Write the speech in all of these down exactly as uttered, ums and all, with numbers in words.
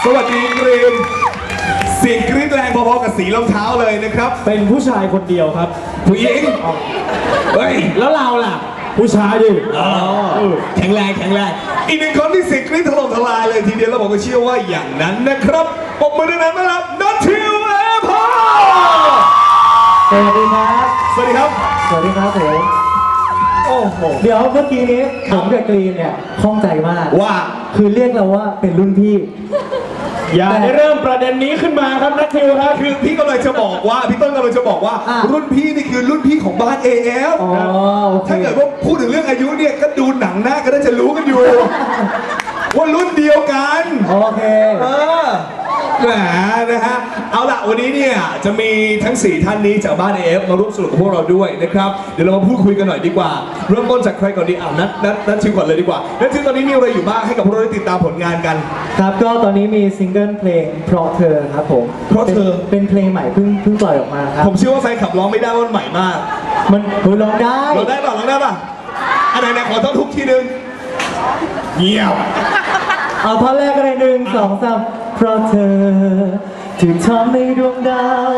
สวัสดีกรีนเสียงกรี๊ดแรงพอๆกับสีรองเท้าเลยนะครับเป็นผู้ชายคนเดียวครับผู้หญิงเฮ้ยแล้วเราล่ะผู้ชายดิแข็งแรงแข็งแรงอีกหนึ่งคนที่เสียงกรี๊ดถล่มทลายเลยทีเดียวแล้วผมก็เชื่อว่าอย่างนั้นนะครับปรบมือดังนั้นต้อนรับนัททิวเอพอสวัสดีครับสวัสดีครับสวัสดีครับผมโอ้โหเดี๋ยวเมื่อกี้นี้ผมกับกรีนเนี่ยข้องใจมากว่าคือเรียกเราว่าเป็นรุ่นพี่อย่าได้เริ่มประเด็นนี้ขึ้นมาครับนัททิวครับคือพี่กำลังจะบอกว่าพี่ต้นกำลังจะบอกว่ารุ่นพี่นี่คือรุ่นพี่ของบ้าน เอ เอฟ ถ้าเกิดว่าพูดถึงเรื่องอายุเนี่ยก็ดูหนังหน้าก็ได้จะรู้กันอยู่ว่ารุ่นเดียวกันโอเคเออแหมนะฮะเอาล่ะวันนี้เนี่ยจะมีทั้งสี่ท่านนี้จากบ้าน เอ เอฟ มาร่วมสนุกกับพวกเราด้วยนะครับเดี๋ยวเรามาพูดคุยกันหน่อยดีกว่าเริ่มต้นจากใครก่อนดีอ่ะนัทนัทนัททิวก่อนเลยดีกว่านัททิวตอนนี้มีอะไรอยู่บ้างให้กับพวกเราได้ติดตามผลงานกันครับก็ตอนนี้มีซิงเกิลเพลงเพราะเธอครับผมเพราะเธอเป็นเพลงใหม่เพิ่งเพิ่งปล่อยออกมาครับผมเชื่อว่าแฟนขับร้องไม่ได้ว่ามันใหม่มากมันร้องได้ร้องได้ป่ะร้องได้ป่ะอันไหนๆขอท่อนทุกทีนึงเงียบเอาท่อนแรกก็ได้หนึ่งสองสามเพราะเธอที่ทำให้ดวงดาว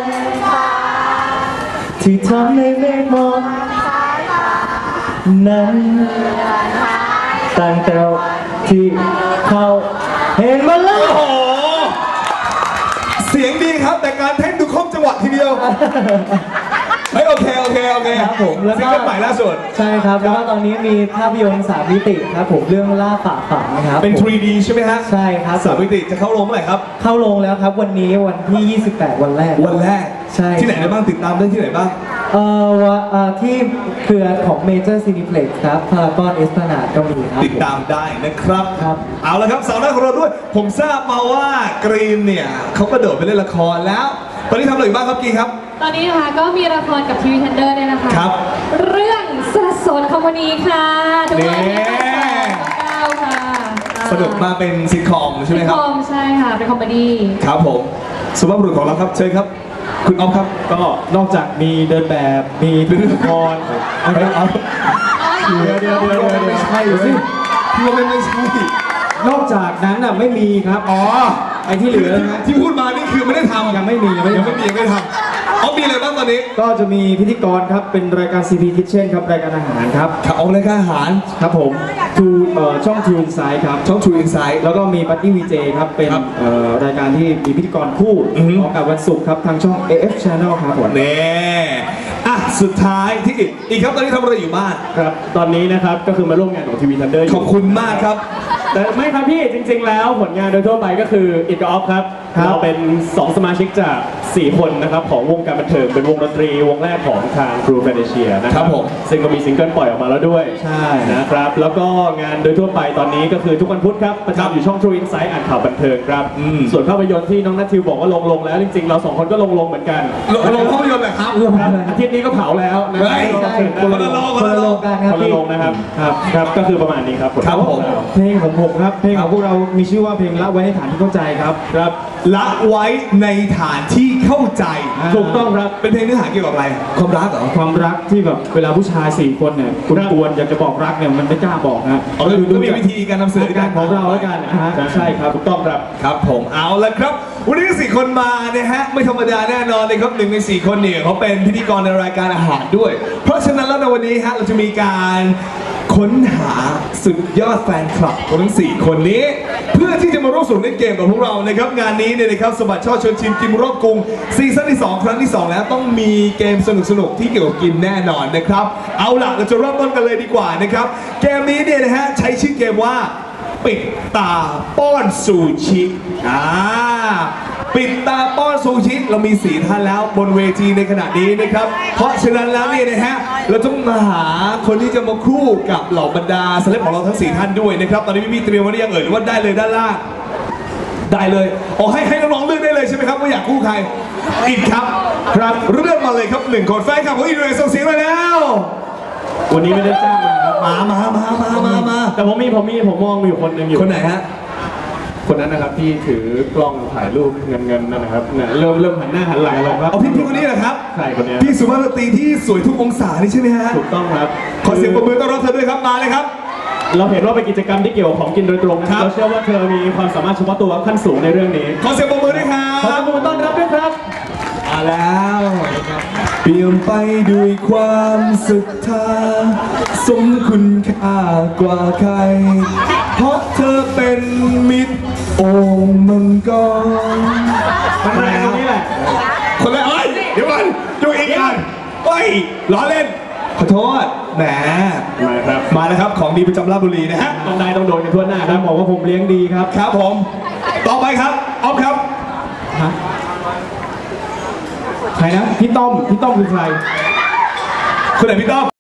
ที่ทำให้เมฆมองนั้นตั้งแต่ที่เขาเห็นมาแล้วโอ้โหเสียงดีครับแต่การเต้นดูครบจังหวะทีเดียวเฮ้ยโอเคโอเคโอเคครับผมแล้วก็ใหม่ล่าสุดใช่ครับแล้วก็ตอนนี้มีภาพยนตร์สามมิติครับผมเรื่องล่าป่าฝังนะครับเป็น ทรี ดี ใช่ไหมฮะใช่ครับสามมิติจะเข้าโรงเมื่อไหร่ครับเข้าโรงแล้วครับวันนี้วันที่ยี่สิบแปดวันแรกวันแรกใช่ที่ไหนได้บ้างติดตามได้ที่ไหนบ้างเอ่อว่าที่เครือของ Major Cineplex ครับพารากอนเอสพลานาดก็มีครับติดตามได้นะครับครับเอาละครับสาวหน้าของเราด้วยผมทราบมาว่ากรีนเนี่ยเขากระโดดไปเล่นละครแล้วตอนนี้ทำอะไรอยู่บ้างครับกีครับตอนนี้นะคะก็มีละครกับทีวีทันเดอร์เนี่ยนะคะครับเรื่องสะสนคอมพานีค่ะทุกวันที่เก้าค่ะสนุกมาเป็นซิทคอมใช่ไหมครับซิทคอมใช่ค่ะเป็นคอมเมดี้ครับผมสุภาพบุรุษของเราครับเชิญครับคุณอ๊อฟครับก็นอกจากมีเดินแบบมีเล่นละครเอาเอาเดี๋ยวเดี๋ยวเดี๋ยวไม่ใช่สิพี่ว่าไม่ใช่นอกจากนั้นอ่ะไม่มีครับอ๋อไอ้ที่เหลือนะที่พูดมานี่คือไม่ได้ทำยังไม่มียังไม่ยังไม่มียังไม่ทำเอามีอะไรบ้างตอนนี้ก็จะมีพิธีกรครับเป็นรายการ ซี พี Kitchen ครับรายการอาหารครับครับเอารายการอาหารครับผมทูช่อง True Insight ครับช่อง True Insight แล้วก็มีปาร์ตี้วีเจครับเป็นรายการที่มีพิธีกรคู่ออกอากาศวันศุกร์ครับทางช่อง เอ เอฟ Channel ครับผมเน่อ่ะสุดท้ายที่อีกครับตอนนี้ทำอะไรอยู่บ้างครับตอนนี้นะครับก็คือมาร่วมงานของทีวีทันเดอร์ขอบคุณมากครับแต่ไม่ครับพี่จริงๆแล้วผลงานโดยทั่วไปก็คืออิกออฟครับเราเป็นสองสมาชิกจากสี่คนนะครับของวงการบันเทิงเป็นวงดนตรีวงแรกของทางครูแฟนเชียนะครับผมซึ่งก็มีซิงเกิลปล่อยออกมาแล้วด้วยใช่นะครับแล้วก็งานโดยทั่วไปตอนนี้ก็คือทุกวันพุธครับประจำอยู่ช่อง True Insight อ่านข่าวบันเทิงครับส่วนภาพยนตร์ที่น้องนัททิวบอกว่าลงลงแล้วจริงๆเราสองคนก็ลงลงเหมือนกันลงภาพยนตร์แหละครับอาทิตย์นี้ก็เผาแล้วนะคนละลงคนละลงกันครับคนละลงนะครับครับครับก็คือประมาณนี้ครับครับผมเพลงของผมครับเพลงของพวกเรามีชื่อว่าเพลงละไว้ในฐานที่เข้าใจครับครับละไว้ในฐานที่เข้าใจถูกต้องครับเป็นเพลงเนื้อหาเกี่ยวกับอะไรความรักเหรอความรักที่แบบเวลาผู้ชายสี่คนเนี่ยคุณกวนอยากจะบอกรักเนี่ยมันไม่กล้าบอกนะเอาเลยดูมีวิธีการนำเสนอการของเราแล้วกันนะฮะใช่ครับถูกต้องครับครับผมเอาละครับวันนี้สี่คนมาเนี่ยฮะไม่ธรรมดาแน่นอนเลยครับหนึ่งในสี่คนเนี่ยเขาเป็นพิธีกรในรายการอาหารด้วยเพราะฉะนั้นแล้วในวันนี้ฮะเราจะมีการค้นหาสุดยอดแฟนคลับของทั้งสี่คนนี้เพื่อที่จะมาร่วมสนุกเล่นเกมกับพวกเรานะครับงานนี้เนี่ยนะครับสบัดช่อชวนชิมกินรอบกรุงซีซั่นที่สองครั้งที่สองแล้วต้องมีเกมสนุกๆที่เกี่ยวกับกินแน่นอนนะครับเอาล่ะเราจะเริ่มต้นกันเลยดีกว่านะครับเกมนี้เนี่ยนะฮะใช้ชื่อเกมว่าปิดตาป้อนซูชิอ่าปิดตาป้อนซูชิเรามีสี่ท่านแล้วบนเวทีในขณะนี้นะครับเพราะฉะนั้นแล้วเนี่ยนะฮะเราต้องมาหาคนที่จะมาคู่กับเหล่าบรรดาเซเลบของเราทั้งสี่ท่านด้วยนะครับตอนนี้พี่มีเตรียมไว้หรือยังเอ่ยหรือว่าได้เลยด้านล่างได้เลยอ๋อให้ให้น้องๆเลือกได้เลยใช่ไหมครับว่าอยากคู่ใครอิดครับครับเลือกมาเลยครับหนึ่งคนแฟนคลับของอิดเลยส่งเสียงมาแล้ววันนี้ไม่ได้จ้างมาครับมามามามามามาแต่ผมมีผมมีผมมองอยู่คนหนึ่งอยู่คนไหนฮะคนนั้นนะครับที่ถือกล้องถ่ายรูปเงินเงินนั่นนะครับเนี่ยเริ่มเริ่มหันหน้าหันหลังแล้วครับเอาพี่พี่คนนี้เหรอครับใช่คนนี้พี่สุภาพสตรีที่สวยทุกองศานี่ใช่ไหมฮะถูกต้องครับขอเสียงปรบมือต้อนรับเธอด้วยครับมาเลยครับเราเห็นว่าเป็นกิจกรรมที่เกี่ยวกับของกินโดยตรงนะครับเราเชื่อว่าเธอมีความสามารถเฉพาะตัวขั้นสูงในเรื่องนี้ขอเสียงปรบมือด้วยครัขอเสียงปรบมือต้อนรับด้วยครับมาแล้วเปลี่ยนไปด้วยความศรัทธาสมคุณค่ากว่าใครเพราะเธอเป็นมิตรโอ่งมังกรมันแรงตรงนี้แหละคนละเอ้ยเดี๋ยวก่อนดูอีกอันเฮ้ยล้อเล่นขอโทษแหมมาครับมาแล้วครับของดีประจำราชบุรีนะฮะต้องได้ต้องโดนกันทั่วหน้าครับบอกว่าผมเลี้ยงดีครับครับผมต่อไปครับออฟครับฮะใครนะพี่ต้อมพี่ต้อมคือใครคุณไหนพี่ต้อม